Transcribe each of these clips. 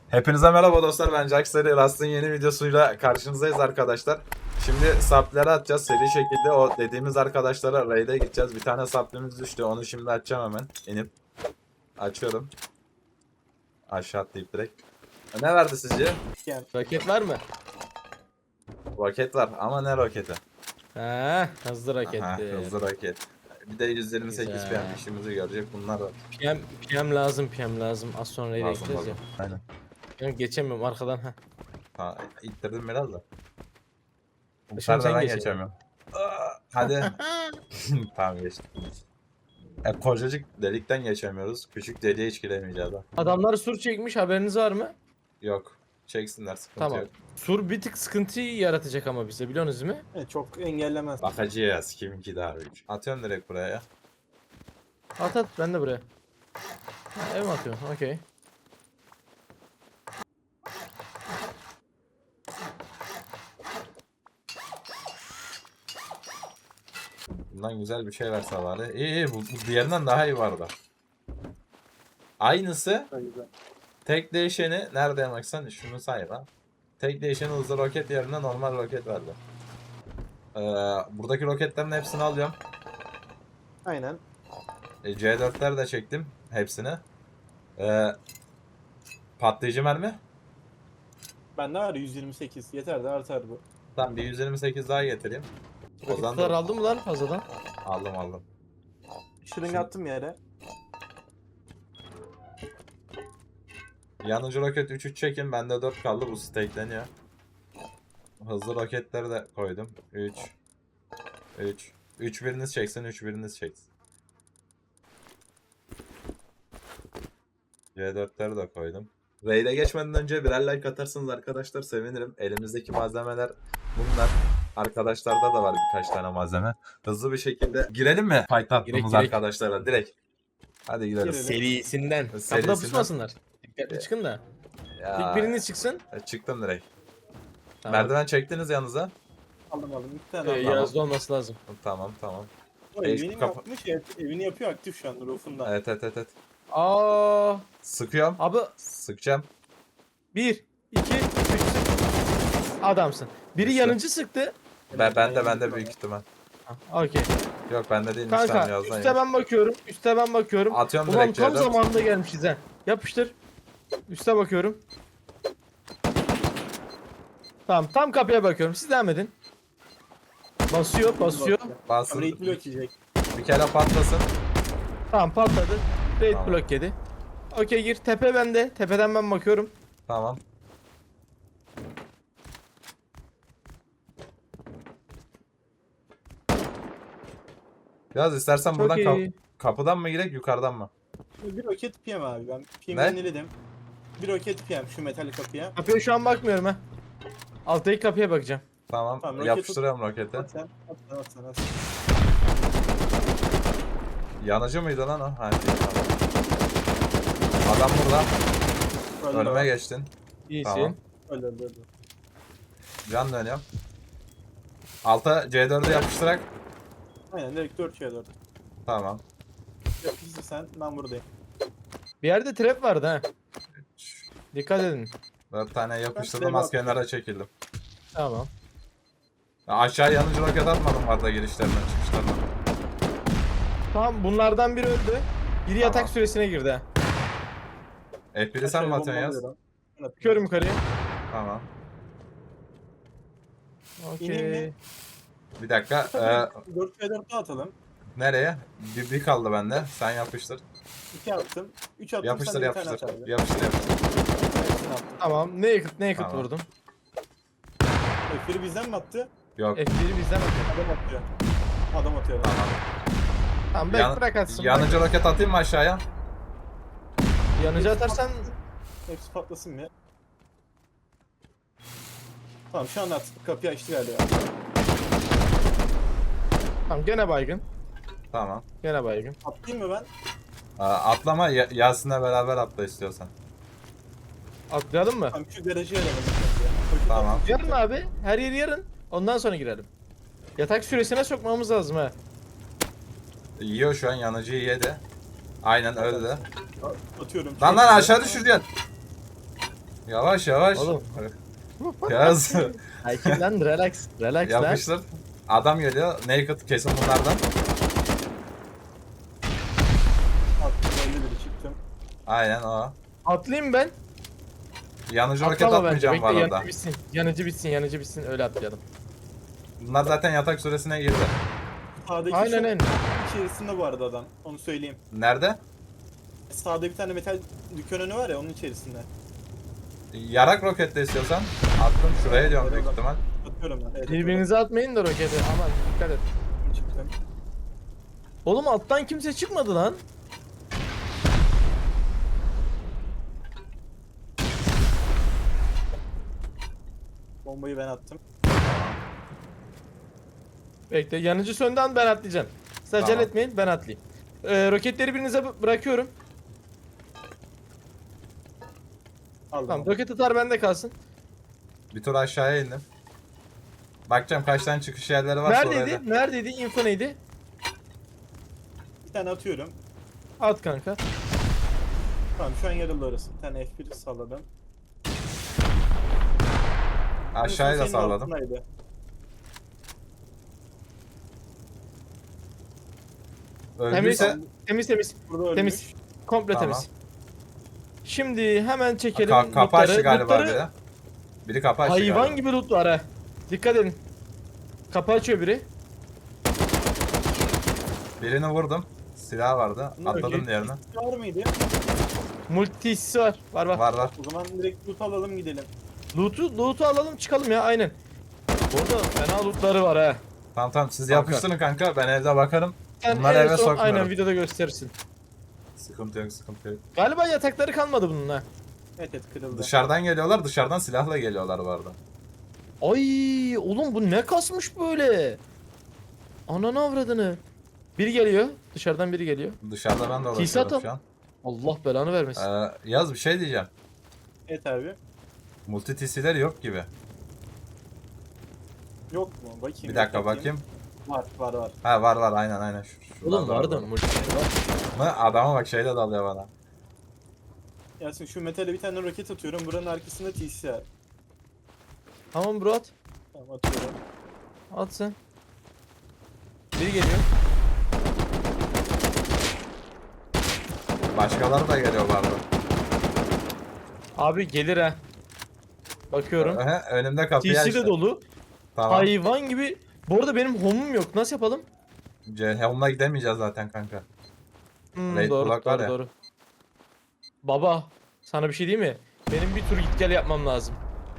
Hepinize merhaba dostlar, ben Jax'ları Rust'ın yeni videosuyla karşınızdayız arkadaşlar. Şimdi sapları atacağız seri şekilde, o dediğimiz arkadaşlara raid'e gideceğiz. Bir tane saplimiz düştü, onu şimdi açacağım hemen. İnip açıyorum. Aşağı atlayıp direkt. Ne verdi sizce? Roket var mı? Roket var ama ne roketi? Ha, hızlı Aha, roketti. hızlı roket. Bir de 128 Güzel. PM işimizi görecek bunlar var. PM lazım, PM lazım. Az sonra nereye Lazım gideceğiz lazım. ya. Aynen. Ben geçemiyorum arkadan. Ha. Ha, ittirdim biraz da. Bu Şimdi sefer de sen ben geç. geçemiyorum. Hadi. Tamam geçtim. Kocacık delikten geçemiyoruz. Küçük deliğe hiç giremeyeceğiz ha. Adamlar sur çekmiş, haberiniz var mı? Yok. Çeksinler, sıkıntı Tamam. yok. Sur bir tık sıkıntıyı yaratacak ama bize, biliyorsunuz değil mi? Evet, çok engellemez. Bakacağız kiminki daha büyük. Atıyorum direkt buraya ya. At ben de buraya. Ha, ev mi atıyorum? Okey. Bundan güzel bir şey verse bari. İyi bu diğerinden daha iyi vardı. Aynısı. Tek değişeni nerede yamaksan şunu say lan. Tek değişeni hızlı roket yerine normal roket verdi. Buradaki roketlerin hepsini alıyorum. Aynen. C4'ler de çektim hepsini. Patlayıcı mermi. Bende var 128. Yeter de artar bu. Tamam, bir 128 daha getireyim. O zaman Roketler da aldın mı lan fazladan? aldım. Şırınga attım yere. Yanıcı roket 3-3 çekin. Bende 4 kaldı. Bu stackleniyor. Hızlı roketleri de koydum. 3 biriniz çeksin. 3 biriniz çeksin. C4'leri de koydum. Raid'e geçmeden önce birer like atarsanız arkadaşlar sevinirim. Elimizdeki malzemeler bunlar. Arkadaşlarda da var birkaç tane malzeme. Hızlı bir şekilde girelim mi? Fight attığımız Girek. arkadaşlara direkt. Hadi gidelim. Girelim. Serisinden. Kapıda Serisinden. pusmasınlar. Dikkatli çıkın da. Ya, İlk biriniz çıksın. çıktım direkt. Tamam. Merdiven çektiniz yanınıza. Aldım. İki tane aldım. Yazda olması lazım. Tamam. O Değiş- evini kapı- yapmış. Evet, evini yapıyor aktif şu an roof'unda. Evet. Aa, Sıkıyorum. abi Sıkacağım. 1, 2, 3 adamsın. Biri İşte. yanıcı sıktı. Ben de büyük ihtimal. Ha, okey. Yok bende değilmiş, tamam Kanka yazdan üste ben bakıyorum. Üste ben bakıyorum. Atıyorum Ulan direkt tam C4. zamanında gelmişiz ha. Yapıştır. Üste bakıyorum. Tamam, tam kapıya bakıyorum. Siz devam edin. Basıyor. Basın. Raid blok yiyecek. Bir kere patlasın. Tamam, patladı. Raid Tamam. block yedi. Okey, gir. Tepe bende. Tepeden ben bakıyorum. Tamam. Biraz istersen buradan Çok iyi. kapıdan mı girek yukarıdan mı? Bir roket PM abi. Ben PM'i Ne? yeniledim. Bir roket PM şu metal kapıya. Kapıya şu an bakmıyorum ha. Alttaki kapıya bakacağım. Tamam. Tamam, roket Yapıştırıyorum roketi. At sen. At sen. Yanıcı mıydı lan o? Ha, değil, tamam. Adam burada. Öldü Önüme o. geçtin. İyisin. Tamam. Öldü. Can dönüyorum. Alta C4'ü yapıştırak. Aynen direkt 4 4. Tamam. Yapıştır sen. Ben buradayım. Bir yerde trap vardı ha. Dikkat edin. 4 tane yapıştırdım, Ben az kenara çekildim. Tamam. Ya aşağı yanıcı roket atmadım arada girişlerinden çıkışlarından. Tamam, bunlardan biri öldü. Biri yatak Tamam. süresine girdi ha. F1'i sen mi atıyorsun yaz? Bakıyorum yukarıya. Tamam. İneyim Okey. mi? Bir dakika. 4 4 daha atalım. Nereye? Bir kaldı bende. Sen yapıştır. 2 attım. 3 attım. Yapıştır sen de bir tane yapıştır. at abi. Yapıştır. Hepsini attım. Tamam. Ne yakıt Tamam. vurdum. F1'i bizden mi attı? Yok. F1'i bizden atıyor. Adam atıyor. Adam atıyor. Tamam. Tamam, bırak atsın. Yanıcı roket atayım mı aşağıya? Yanıcı atarsan Hepsi patlasın mı? Tamam şu anda at. Kapıyı açtı galiba. tamam, gene baygın. Tamam. Gene baygın. Atlayayım mı ben? Atlama, Yasin'le beraber atla istiyorsan. Atlayalım mı? Tamam şu garajı verelim. Tamam. Yarın abi. Her yeri yarın. Ondan sonra girelim. Yatak süresine sokmamız lazım ha. Yiyor şu an, yanıcıyı yedi. Aynen öyle de. Atıyorum. Lan aşağı düşürüyorsun. Yavaş yavaş. Oğlum. Yaz. Sakin lan, relax. Relax lan. Yapıştır. Adam geliyor. Naked kesin bunlardan. Attım 50 biri çıktım. Aynen o. Atlayayım ben. Yanıcı roket Atlama bence. atmayacağım Bekle, var orada. yanıcı bitsin. Yanıcı bitsin, yanıcı bitsin. Öyle atlayalım. Bunlar zaten yatak süresine girdi. Sağdaki Aynen şu aynen. içerisinde bu arada adam. Onu söyleyeyim. Nerede? Sağda bir tane metal dükkan önü var ya onun içerisinde. Yarak roketle istiyorsan. Attım şuraya diyorum büyük ihtimal. Atıyorum ben. Evet, Birbirinize atmayın da roketi. Aman dikkat et. atıyorum. Çıktım. Oğlum alttan kimse çıkmadı lan. Bombayı ben attım. Bekle, yanıcı söndü an ben atlayacağım. Siz acele Tamam. etmeyin, ben atlayayım. Roketleri birinize bırakıyorum. Aldım. Tamam, roket atar bende kalsın. Bir tur aşağıya indim. Bakacağım kaç tane çıkış yerleri var sonra. Neredeydi? Neredeydi? Info neydi? Bir tane atıyorum. At kanka. Tamam şu an yarıldı orası. Bir tane F1 salladım. Aşağıya da Senin salladım. altındaydı. Öldüyse Temiz temiz. Burada ölmüş. Temiz. Komple Tamam. temiz. Şimdi hemen çekelim kapı açtı lootları. galiba Lootları biri. Biri kapı açtı hayvan galiba. gibi loot var ha. Dikkat edin. Kapı açıyor biri. Birini vurdum. Silah vardı. Bunlar Atladım okey. diğerine. Var mıydı? Multisi var. Var. Var var. O zaman direkt loot alalım gidelim. Loot'u alalım çıkalım ya aynen. Orada fena lootları var ha. Tamam tamam siz Kanka. yapıştırın kanka. Ben evde bakarım. Sen Bunları en eve son sokmuyorum. aynen videoda gösterirsin. Sıkıntı yok sıkıntı yok. Galiba yatakları kalmadı bunun ha. Evet evet kırıldı. Dışarıdan geliyorlar. Dışarıdan silahla geliyorlar bu arada. Ay oğlum bu ne kasmış böyle? Ananı avradını. Biri geliyor. Dışarıdan biri geliyor. Dışarıda ben de Tisat uğraşıyorum al. şu an. Allah belanı vermesin. Yaz bir şey diyeceğim. Evet abi. Multi TC'leri yok gibi. Yok mu? Bakayım. Bir dakika bakayım. Var var var. Ha var var aynen aynen. Şuradan Oğlum da vardı var. multi var. Mı? Adama bak şeyle dalıyor bana. Yasin şu metale bir tane roket atıyorum. Buranın arkasında TC var. Tamam bro at. Tamam atıyorum. At sen. Biri geliyor. Başkaları da geliyor bu arada. Abi gelir ha. Bakıyorum. Önümde kapıyı TC açtı. de dolu. Tamam. Hayvan gibi. Bu arada benim home'um yok. Nasıl yapalım? Helm'la gidemeyeceğiz zaten kanka. Raid Doğru, Block var doğru, ya. doğru. Baba, sana bir şey diyeyim mi? Benim bir tur git gel yapmam lazım.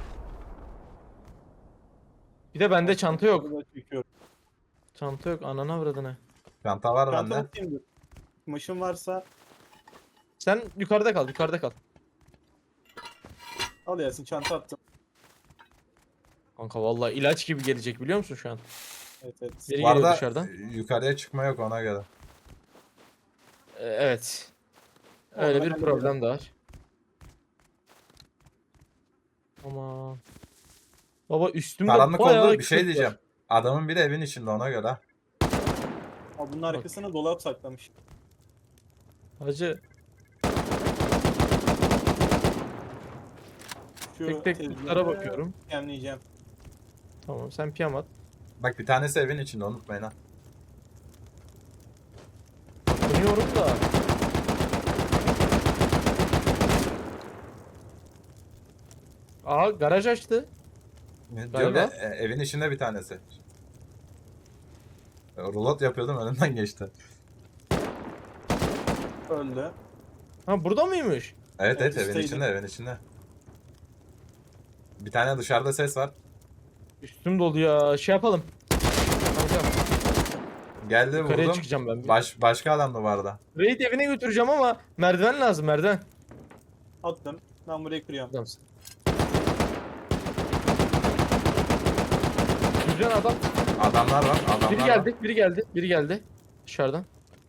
Bir de bende çanta yok. Burada çekiyorum. Çanta yok, ananı avradını. Çanta var Çanta bende. atayım dur. Kumaşın varsa Sen yukarıda kal, yukarıda kal. al Yasin çanta attım. Kanka vallahi ilaç gibi gelecek biliyor musun şu an? Evet evet. Biri Bu geliyor arada dışarıdan. yukarıya çıkma yok ona göre. Evet. Öyle Onu bir ben problem de var. Ama baba üstümde Karanlık bayağı oldu bir şey kırk diyeceğim. var. Adamın biri evin içinde ona göre. Aa, bunun arkasına dolap saklamış. Hacı Şu tek tek tezgahı lootlara bakıyorum. Yemleyeceğim. Tamam sen piyam at. Bak bir tanesi evin içinde unutmayın ha. Bakıyorum da. Aa garaj açtı. Diyorum ya, Galiba. evin içinde bir tanesi. Rulot yapıyordum önümden geçti. Öldü. Ha burada mıymış? Evet Evet, evet evin üstteydi. içinde evin içinde. Bir tane dışarıda ses var. Üstüm dolu ya. Şey yapalım. Kanka Geldi yukarıya vurdum. çıkacağım ben. Başka adam da vardı. Raid evine götüreceğim ama merdiven lazım merdiven. Attım. Ben burayı kırıyorum. Adamsın. Güzel adam. Adamlar var. Adamlar Biri var. geldi, biri geldi, biri geldi. Dışarıdan.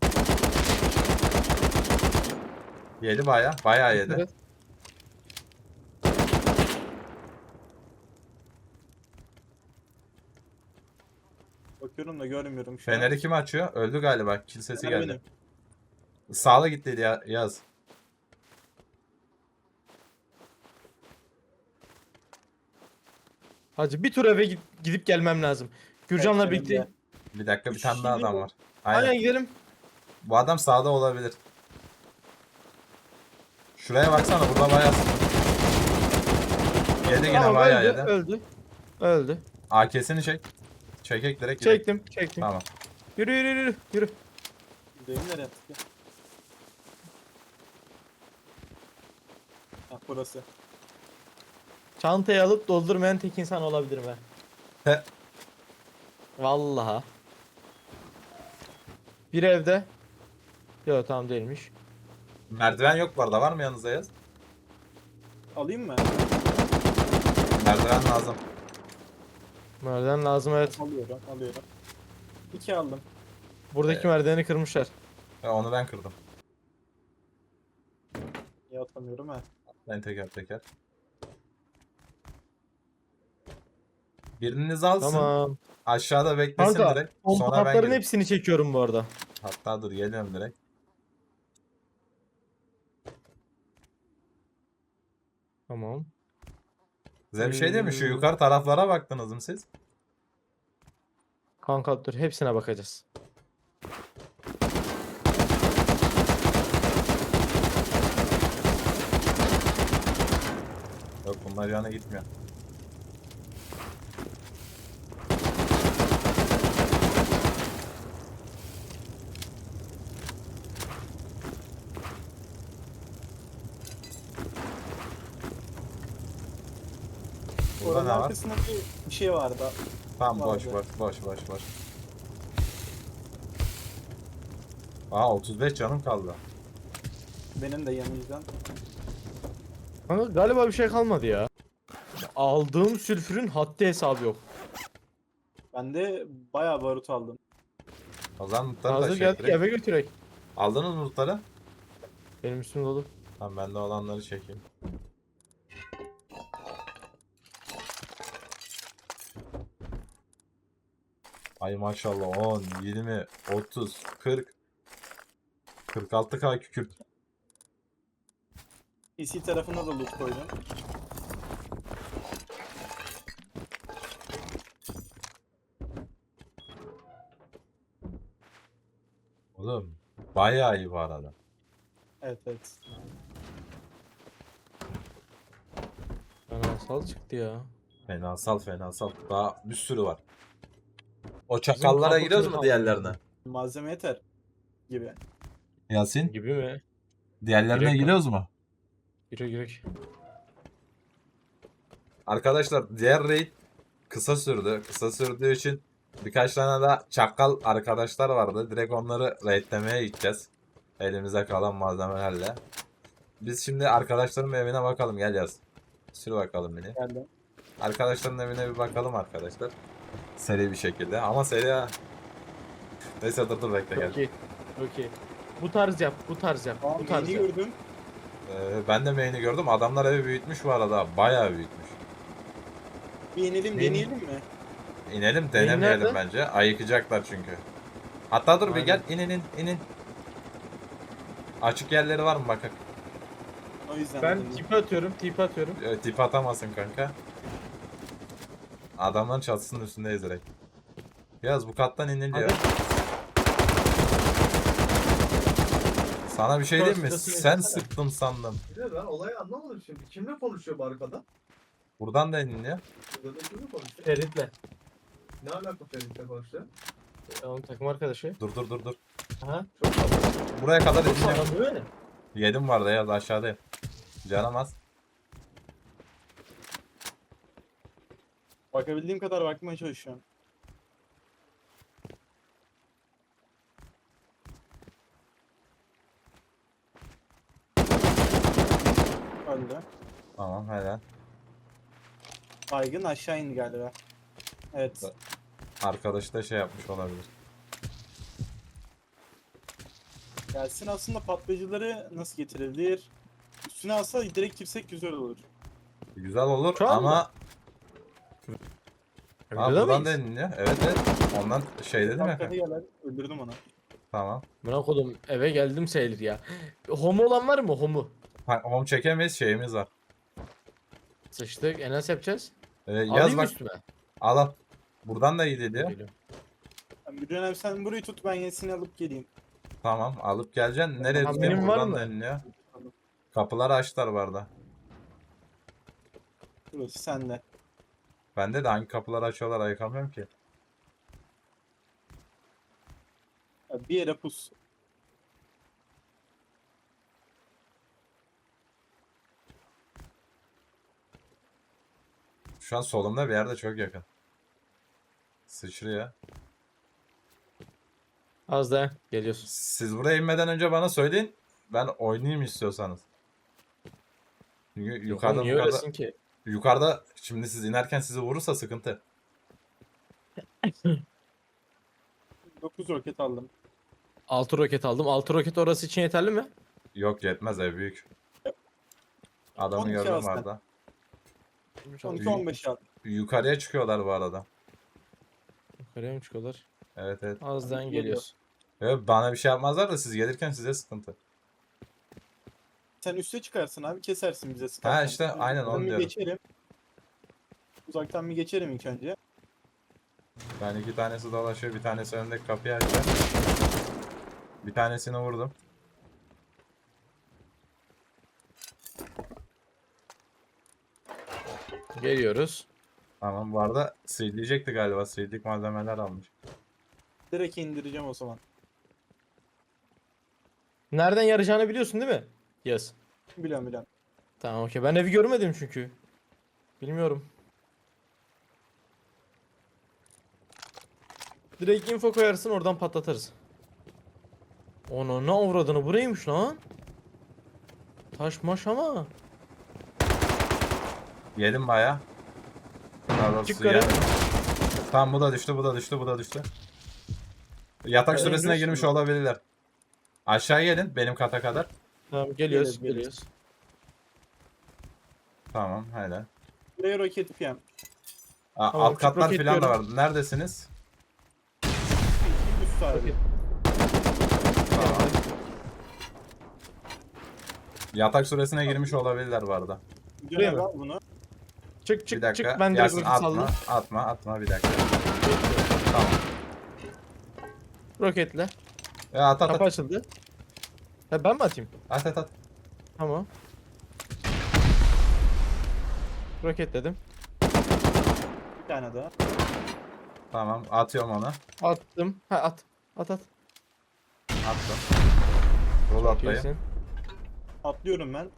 Yedi bayağı yedi. Evet. Bakıyorum da görmüyorum şu an. Feneri kim açıyor? Öldü galiba. Kill sesi Fener geldi. benim. Sağla gitti ya Yaz. Hacı bir tur eve gidip gelmem lazım. Gürcan'la Evet, birlikte. benim de. Bir dakika, bir tane daha Şimdi adam bu- var. Aynen. Aynen gidelim. Bu adam sağda olabilir. Şuraya baksana, burada bayağı yedi, yine Tamam bayağı öldü, yedi. öldü. Öldü. AK'sini çek. Çekek direkt gidelim. Çektim. Tamam. Yürü. Benim nereye attık ya? Ha, burası. Çantayı alıp doldurmayan tek insan olabilirim ben. He. Vallahi. Bir evde. Yok tamam değilmiş. Merdiven yok bu arada, var mı yanınızda Yaz? Alayım mı? Merdiven lazım. Merdiven lazım evet. Alıyorum. 2 aldım. Buradaki merdiveni kırmışlar. Onu ben kırdım. Ya atamıyorum ha. Ben teker. Biriniz alsın. Tamam. Aşağıda beklesin Kanka direkt. pompa Sonra ben hatların gireyim. hepsini çekiyorum bu arada. Hatta dur, geliyorum direkt. Tamam. Size bir şey diyeyim mi? Şu yukarı taraflara baktınız mı siz? Kanka dur hepsine bakacağız. Yok, bunlar yana gitmiyor. Burada Oranın ne var? arkasında bir şey vardı. Tamam, Vardı. boş. Aa, 35 canım kaldı. Benim de yanımızdan. Kanka galiba bir şey kalmadı ya. Aldığım sülfürün haddi hesabı yok. Ben de bayağı barut aldım. O zaman lootları Hazır taşıyalım geldik direkt. eve götürek. Aldınız mı lootları? Benim üstüm dolu. Tamam, ben de olanları çekeyim. Ay maşallah, 10, 20, 30, 40, 46k kükürt. PC tarafına da loot koydum. Oğlum bayağı iyi bu arada. Evet. Anasal çıktı ya. Fenasal. Daha bir sürü var. O çakallara kapı giriyoruz mu kırık diğerlerine? Malzeme yeter gibi. Yasin, Gibi mi? diğerlerine Direkt giriyoruz mu? Girek. Arkadaşlar, diğer raid kısa sürdü. Kısa sürdüğü için birkaç tane daha çakal arkadaşlar vardı. Direkt onları raidlemeye gideceğiz. Elimize kalan malzemelerle. Biz şimdi arkadaşların evine bakalım, gel Yaz. Sür bakalım beni. Geldi. Arkadaşların evine bir bakalım arkadaşlar. Seri bir şekilde, ama seri ha. Neyse, dur bekle, gel. Okey. Bu tarz yap. Aa, Bu tarz yeni yap. gördüm. Ben de main'i gördüm. Adamlar evi büyütmüş bu arada. Bayağı büyütmüş. Bir inelim Benim- deneyelim mi? İnelim, denemeyelim nerede? bence. Ayıkacaklar çünkü. Hatta dur bir Aynen. gel, inin. Açık yerleri var mı bakak? O yüzden Ben dedim. tipi atıyorum. Tip atamazsın kanka. Adamların çatısının üstündeyiz direkt. Biraz bu kattan iniliyor. Hadi. Sana bir şey diyeyim mi? Şurasını Sen yapsana. sıktın sandım. Bir de ben olayı anlamadım şimdi. Kimle konuşuyor bu arkada? Buradan da iniliyor. Burada da kimle konuşuyor? Ferit'le. Ne alaka Ferit'le konuşuyor? Onun takım arkadaşı. Dur. Aha. Çok fazla. Buraya kadar Çok iniliyor. sağlam değil mi? Yedim vardı ya, aşağıdayım. Canım az. Bakabildiğim kadar bakmaya çalışıyorum. Öldü. Tamam, helal. Baygın aşağı indi galiba. Evet. Arkadaş da şey yapmış olabilir. Gelsin aslında patlayıcıları nasıl getirebilir? Üstüne alsa direkt girsek güzel olur. Güzel olur Şu anda. ama Videoda buradan mıyız? da iniliyor. Evet. Ondan şey dedim ya. Arkada gelen öldürdüm onu. Tamam. Bırak oğlum eve geldim sayılır ya. Homo olan var mı homo? Home çekemeyiz, şeyimiz var. Sıçtık. Nasıl yapacağız? Yaz Alayım bak. üstüme. Al. Buradan da iyi geliyor. Geliyorum. Bir dönem sen burayı tut, ben yenisini alıp geleyim. Tamam alıp geleceksin. Nereye Tamam, tutayım? benim var Buradan mı? deniliyor. Kapıları açtılar bu arada. Burası sende. Bende de hangi kapıları açıyorlar ayıkamıyorum ki. Ya bir yere pus. Şu an solumda bir yerde çok yakın. Sıçrıyor. Az daha geliyorsun. Siz buraya inmeden önce bana söyleyin. Ben oynayayım istiyorsanız. Çünkü Yok, yukarıda niye öylesin ki? yukarıda şimdi siz inerken sizi vurursa sıkıntı. 9 roket aldım. 6 roket aldım. 6 roket orası için yeterli mi? Yok yetmez ev büyük. Adamı 12 gördüm alsın. arada. 12-15 aldım. Yukarıya çıkıyorlar bu arada. Yukarıya mı çıkıyorlar? Evet evet. Az daha Geliyor. geliyorsun. Evet, bana bir şey yapmazlar da siz gelirken size sıkıntı. Sen üste çıkarsın abi, kesersin bize Ha sıkarken. işte aynen Ben onu bir diyorum. geçerim. Uzaktan bir geçerim ilk önce. Ben iki tanesi dolaşıyor, bir tanesi önündeki kapıyı açıyor. Bir tanesini vurdum. Geliyoruz. Tamam bu arada sildiyecekti galiba. Sildik malzemeler almış. Direkt indireceğim o zaman. Nereden yarayacağını biliyorsun değil mi? Yes. Biliyorum biliyorum. Tamam okey. Ben evi görmedim çünkü. Bilmiyorum. Direkt info koyarsın, oradan patlatırız. Ona ne avradını, buraymış lan. Taş maş ama. Yedim baya. Daha doğrusu Çık yukarı. yedim. Tamam bu da düştü, bu da düştü, bu da düştü. Yatak Ben süresine indirsin girmiş mi? olabilirler. Aşağı gelin benim kata kadar. Tamam geliyoruz, Geliyoruz. geliyoruz. Tamam helal. Buraya roket PM. Tamam, Alt çık katlar falan da roketliyorum. var. Neredesiniz? Üst abi. Roket. Tamam. Yatak süresine girmiş olabilirler bu arada. Bir Buraya dönem mı? al bunu. Çık Bir çık dakika. çık, ben direkt Yasin roket atma, saldım. atma bir dakika. Tamam. Roketle. At Kapı açıldı. Ha, ben mi atayım? at. Tamam. Roketledim. Bir tane daha. Tamam atıyorum onu. Attım. Ha at. At. Attım. Rol atlayın. İyisin. Atlıyorum ben.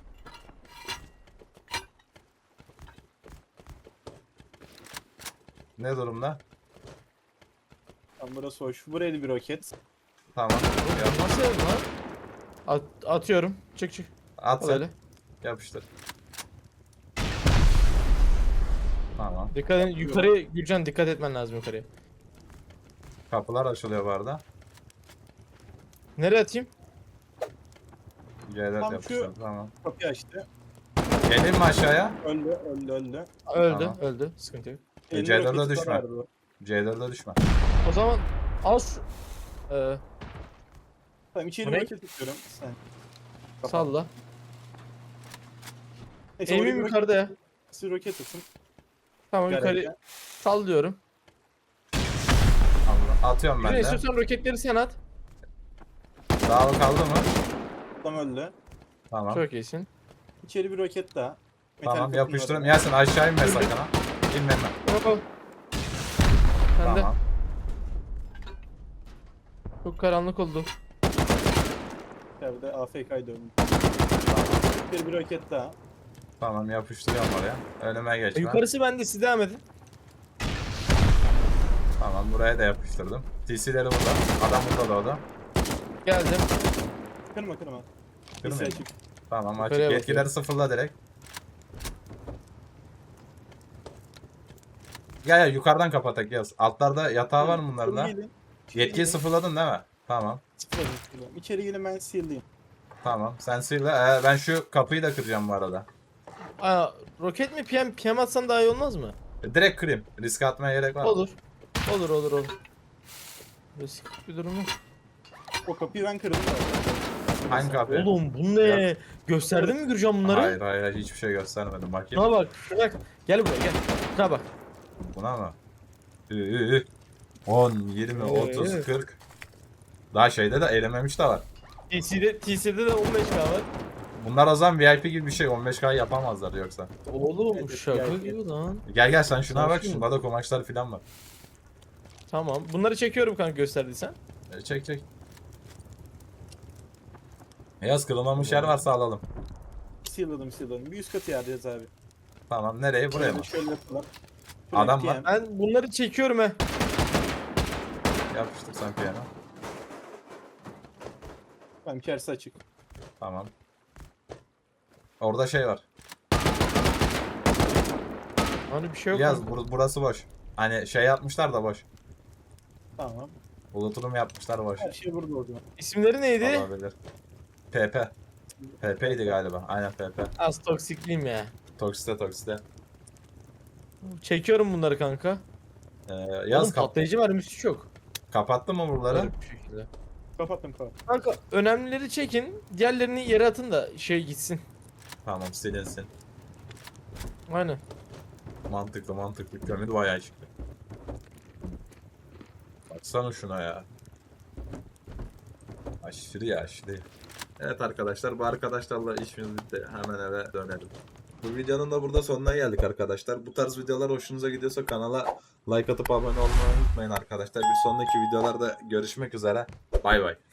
Ne durumda? Tam burası hoş. Buraya da bir roket. Tamam. Ya nasıl ev lan? Atıyorum. Çık. At Al sen. öyle. Yapıştır. Tamam. Dikkat edin. Yukarıya Gürcan, dikkat etmen lazım yukarıya. Kapılar açılıyor bu arada. Nereye atayım? C'ler Tam yapıştır. şu- Tamam. Kapıyı açtı. Geleyim mi aşağıya? Öldü. Öldü. Tamam. Öldü. Sıkıntı yok. Elinde C4'e roketi düşme. vardı bu. C4'e düşme. O zaman al şu. Tamam, içeri Bu bir ne? roket atıyorum. Sen. Kapat. Salla. Neyse, oraya Eğimim bir yukarıda ya. roket, roket atın. Tamam yukarı Garajda. sallıyorum. Allah. Atıyorum ben Yine de. istiyorsan roketleri sen at. Dağlı kaldı mı? Adam öldü. Tamam. Çok iyisin. İçeri bir roket daha. Metal Tamam kapının yapıştırın. orada. Yasin aşağı inme sakın ha. İnme. Hop. Sen de. Tamam. Çok karanlık oldu. İçeride AFK'yı döndü. İçeri bir roket daha. Tamam yapıştırıyorum oraya. Önüme geçme. Yukarısı bende, siz devam edin. Tamam buraya da yapıştırdım. TC'leri burada. Adam burada doğdu. Geldim. Kırma. Kırmayayım. Lise açık. Tamam açık. Yukarıya Yetkileri bakıyorum. sıfırla direkt. Gel yukarıdan kapatak yaz. Altlarda yatağı var mı bunların da? İçeri gelin. Yetkiyi sıfırladın değil mi? Tamam. Sıfırladım. İçeri gelin, ben seal'liyim. Tamam. Sen sıyla. Ben şu kapıyı da kıracağım bu arada. Aa, roket mi PM atsam daha iyi olmaz mı? Direkt kırayım. Risk atmaya gerek var mı? Olur. Olur. Risk bir durum yok. O kapıyı ben kırdım. zaten. Hangi kapı? Oğlum bu ne? Gösterdin mi Gürcan bunları? Hayır hayır hiçbir şey göstermedim bakayım. Şuna bak, şuna bak. Gel buraya gel. Şuna bak. Buna mı? 10, 20, 30, Ee. 40. Daha şeyde de elememiş de var. TC'de de 15k var. Bunlar o zaman VIP gibi bir şey. 15K yapamazlar yoksa. Oğlum Evet, şaka gel, gibi lan. Gel gel sen şuna bak. Sakin. Şunda da kumaşlar falan var. Tamam. Bunları çekiyorum kanka gösterdiysen. Çek çek. Beyaz kırılmamış yer varsa alalım. Sealadım. Bir üst katı yarayacağız abi. Tamam nereye? Buraya mı? Şöyle yapalım. Adam var. Ben bunları çekiyorum he. Yapıştır sen piyano. Tamam kersi açık. Tamam. Orada şey var. Hani bir şey yok. Yaz kanka. burası boş. Hani şey yapmışlar da boş. Tamam. Bulutulum yapmışlar boş. Her şey burada o zaman. İsimleri neydi? Olabilir. PP. PP'ydi galiba. Aynen PP. Az toksikliyim ya. Toksite. Çekiyorum bunları kanka. Yaz Oğlum patlayıcı mermisi çok. kapattın mı buraları? Garip bir şekilde. Kapattım. Kanka önemlileri çekin. Diğerlerini yere atın da şey gitsin. Tamam silinsin. Aynen. Mantıklı. Kömür bayağı çıktı. Baksana şuna ya. Aşırı. Evet arkadaşlar bu arkadaşlarla işimiz bitti. Hemen eve dönelim. Bu videonun da burada sonuna geldik arkadaşlar. Bu tarz videolar hoşunuza gidiyorsa kanala like atıp abone olmayı unutmayın arkadaşlar. Bir sonraki videolarda görüşmek üzere. Bay bay.